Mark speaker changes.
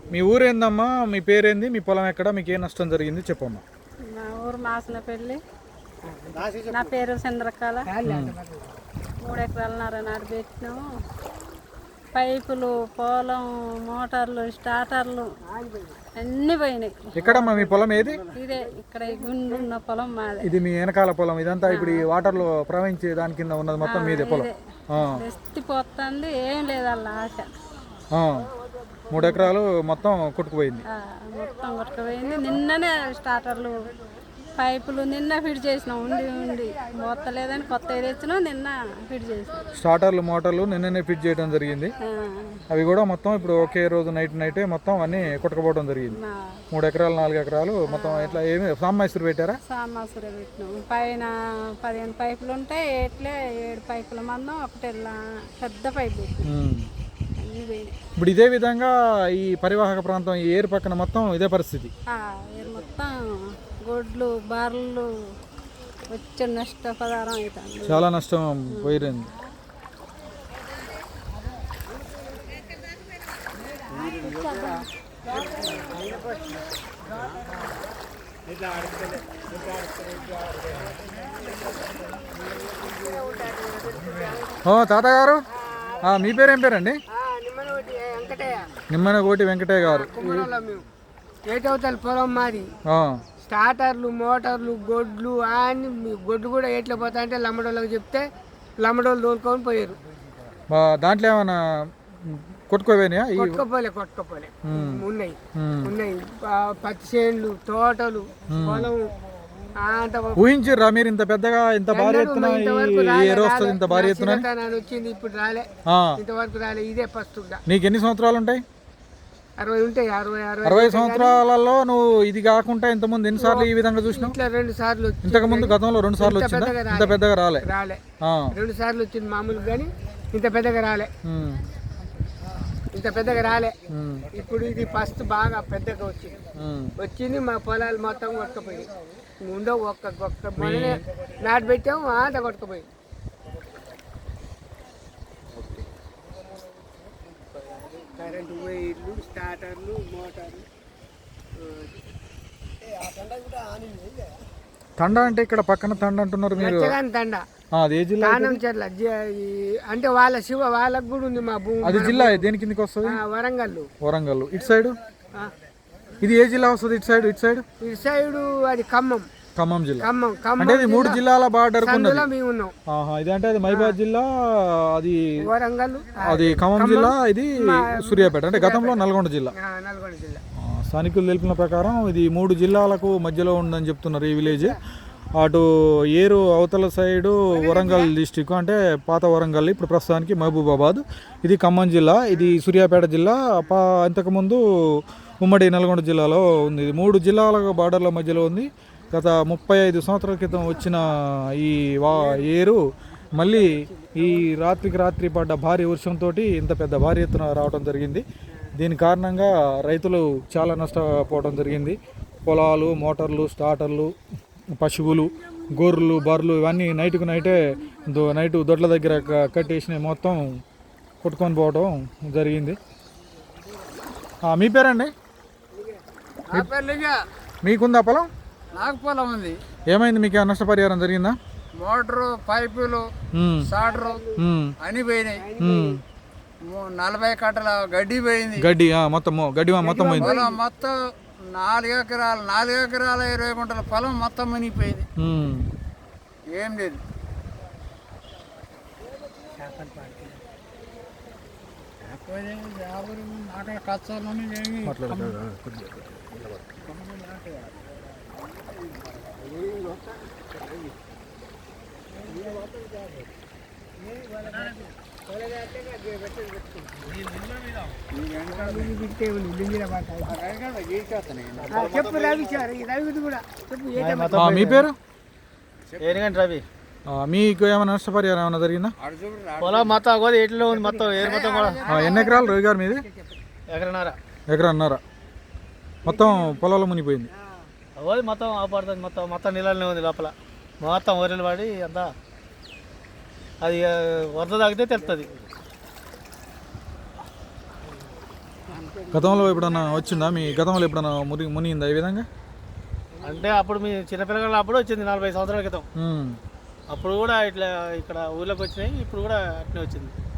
Speaker 1: మీ ఊరేందమ్మా, మీ పేరేంది, మీ పొలం ఎక్కడ, మీకు ఏ నష్టం జరిగింది చెప్పమ్మా.
Speaker 2: మా ఊరు మాసనపల్లి. నా పేరు చంద్రకళ. 3 ఎకరాలన్నర నాటు పెట్టినాము. పైపులు, పొలం, మోటార్లు, స్టార్టర్లు అన్నీ పోయినాయి.
Speaker 1: ఎక్కడమ్మా మీ పొలం ఏది?
Speaker 2: ఇదే ఇక్కడ ఈ గుండు ఉన్న పొలం మాది.
Speaker 1: ఇది మీ వెనకాల పొలం, ఇదంతా ఇప్పుడు ఈ వాటర్లో ప్రవహించే దాని కింద ఉన్నది మొత్తం మీదే పొలం.
Speaker 2: ఎత్తిపోతుంది, ఏం లేదు వాళ్ళ ఆశ.
Speaker 1: 3 ఎకరాలు మొత్తం కొట్టుకుపోయింది.
Speaker 2: మొత్తం కొట్టుకుపోయింది. నిన్ననే స్టార్టర్లు, పైపులు నిన్న ఫిట్ చేసినాం. ఉండి మొత్తలేదని కొత్త తెచ్చినాం. నిన్న ఫిట్ చేసినాం.
Speaker 1: స్టార్టర్లు, మోటార్లు నిన్ననే ఫిట్ చేయడం జరిగింది. అవి కూడా మొత్తం ఇప్పుడు ఒకే రోజు నైటే మొత్తం అన్ని కొట్టుకుపోవడం జరిగింది. 3 ఎకరాలు 4 ఎకరాలు మొత్తం. ఇట్లా ఏమి సామాసురు పెట్టారా?
Speaker 2: సామాసురే పెట్టినాం. పైన 15 పైపులు ఉంటాయి. ఎట్లే 7 పైపుల మందం ఒకటి పెద్ద పైపు.
Speaker 1: ఇప్పుడు ఇదే విధంగా ఈ పరివాహక ప్రాంతం, ఈ ఏరు పక్కన మొత్తం ఇదే పరిస్థితి.
Speaker 2: ఏరు మొత్తం గొడ్లు, బర్రెలు వచ్చే నష్టపరిహారం అవుతుంది.
Speaker 1: చాలా నష్టం పోయింది. తాతగారు, మీ పేరు ఏం పేరండి? నిమ్మనగోటి వెంకటయ్య గారు.
Speaker 3: ఏటవుతారు పొలం మాది. స్టార్టర్లు, మోటార్లు, గొడ్లు అన్ని. గొడ్లు కూడా ఎట్లా పోతా అంటే లమ్మడోళ్ళకి చెప్తే లమ్మడోళ్ళు తోలుకొని పోయారు.
Speaker 1: దాంట్లో ఏమైనా కొట్టుకోపోయినాయా?
Speaker 3: కొట్టుకోపోలే ఉన్నాయి. పత్తి చేనులు, తోటలు, పొలం.
Speaker 1: ఊహించారా మీరు ఇంత పెద్దగా, ఇంత భారీ ఎత్తున ఇంత భారీ ఎత్తున
Speaker 3: వచ్చింది? ఇప్పుడు రాలే, ఇంతవరకు రాలే. ఇదే ఫస్ట్.
Speaker 1: నీకు ఎన్ని సంవత్సరాలు ఉంటాయి?
Speaker 3: 60 ఉంటాయి.
Speaker 1: 60 సంవత్సరాలలో నువ్వు ఇది కాకుండా ఇంతకుముందు ఎన్నిసార్లు ఈ విధంగా చూసినావు?
Speaker 3: 2 సార్లు.
Speaker 1: ఇంతకు ముందు గతంలో 2 సార్లు వచ్చిందా? ఇంత పెద్దగా రాలే.
Speaker 3: 2 సార్లు వచ్చింది మామూలు, కానీ ఇంత పెద్దగా రాలే. ఇప్పుడు ఇది ఫస్ట్ బాగా పెద్దగా వచ్చింది. మా పొలాలు మొత్తం కొట్టుకుపోయి ఉండవు. ఒక్క మననే నాటు పెట్టాము, అంత కొట్టుకుపోయి. కరెంటు వైర్లు, స్టార్టర్లు, మోటార్లు.
Speaker 1: తండ అంటే ఇక్కడ పక్కన తండ అంటున్నారు మీరు?
Speaker 3: తండ
Speaker 1: అది ఏ జిల్లా?
Speaker 3: అంటే వాళ్ళకు కూడా ఉంది మా భూమి.
Speaker 1: అది జిల్లా దేని కిందకి వస్తుంది? వరంగల్. ఇటు సైడ్ ఇది ఏ జిల్లా వస్తుంది? ఇటు సైడ్ అది ఖమ్మం జిల్లా. అంటే ఇది 3 జిల్లాల బార్డర్ ఇది. అంటే అది మహబూబాబాద్ జిల్లా, అది
Speaker 3: వరంగల్,
Speaker 1: అది ఖమ్మం జిల్లా, ఇది సూర్యాపేట. అంటే గతంలో నల్గొండ జిల్లా. స్థానికులు తెలిపిన ప్రకారం ఇది 3 జిల్లాలకు మధ్యలో ఉందని చెప్తున్నారు ఈ విలేజ్. అటు ఏరు అవతల సైడు వరంగల్ డిస్టిక్, అంటే పాత వరంగల్, ఇప్పుడు ప్రస్తుతానికి మహబూబాబాద్. ఇది ఖమ్మం జిల్లా, ఇది సూర్యాపేట జిల్లా. ఇంతకుముందు ఉమ్మడి నల్గొండ జిల్లాలో ఉంది. ఇది 3 జిల్లాల బార్డర్ల మధ్యలో ఉంది. గత 35 సంవత్సరాల క్రితం వచ్చిన ఈ ఏరు మళ్ళీ ఈ రాత్రికి రాత్రి పడ్డ భారీ వర్షంతో ఇంత పెద్ద భారీ ఎత్తున రావడం జరిగింది. దీని కారణంగా రైతులు చాలా నష్టపోవడం జరిగింది. పొలాలు, మోటార్లు, స్టార్టర్లు, పశువులు, గొర్రెలు, బర్రెలు ఇవన్నీ నైటు దొడ్ల దగ్గర కట్టేసినవి మొత్తం కొట్టుకొని పోవడం జరిగింది. మీ పేరండి? మీకుందా పొలం?
Speaker 3: నాకు పొలం ఉంది.
Speaker 1: ఏమైంది? మీకు నష్టపరిహారం జరిగిందా?
Speaker 3: మోటారు, పైపులు, స్టార్టరు అన్ని పోయినాయి. 40 కట్టల గడ్డి పోయింది.
Speaker 1: గడ్డి మొత్తం పోయింది.
Speaker 3: మొత్తం 4 ఎకరాలు 20 గుంటల పొలం మొత్తం మునిగిపోయింది. ఏం లేదు.
Speaker 1: మీ పేరు?
Speaker 4: రవి.
Speaker 1: మీకు ఏమైనా నష్టపరిహారం ఏమైనా జరిగిందా?
Speaker 4: పొలం మొత్తం ఎట్లా ఉంది, మొత్తం ఏరు మొత్తం కూడా.
Speaker 1: ఎన్ని ఎకరాలు రవి గారు మీది? ఎకరన్నర మొత్తం పొలాలు మునిగిపోయింది.
Speaker 4: మొత్తం ఆపడుతుంది. మొత్తం నీళ్ళనే ఉంది లోపల. మొత్తం వరిలు పడి అంతా అది వరద తాగితే తెలుస్తుంది.
Speaker 1: గతంలో ఎప్పుడన్నా వచ్చిందా మీ గతంలో ఎప్పుడన్నా మునిగిందా ఈ విధంగా?
Speaker 4: అంటే అప్పుడు మీ చిన్నపిల్లగాళ్ళు అప్పుడు వచ్చింది 45 సంవత్సరాల క్రితం.
Speaker 1: ఉమ్.
Speaker 4: అప్పుడు కూడా ఇట్లా ఇక్కడ ఊర్లోకి వచ్చినాయి, ఇప్పుడు కూడా అట్నే వచ్చింది.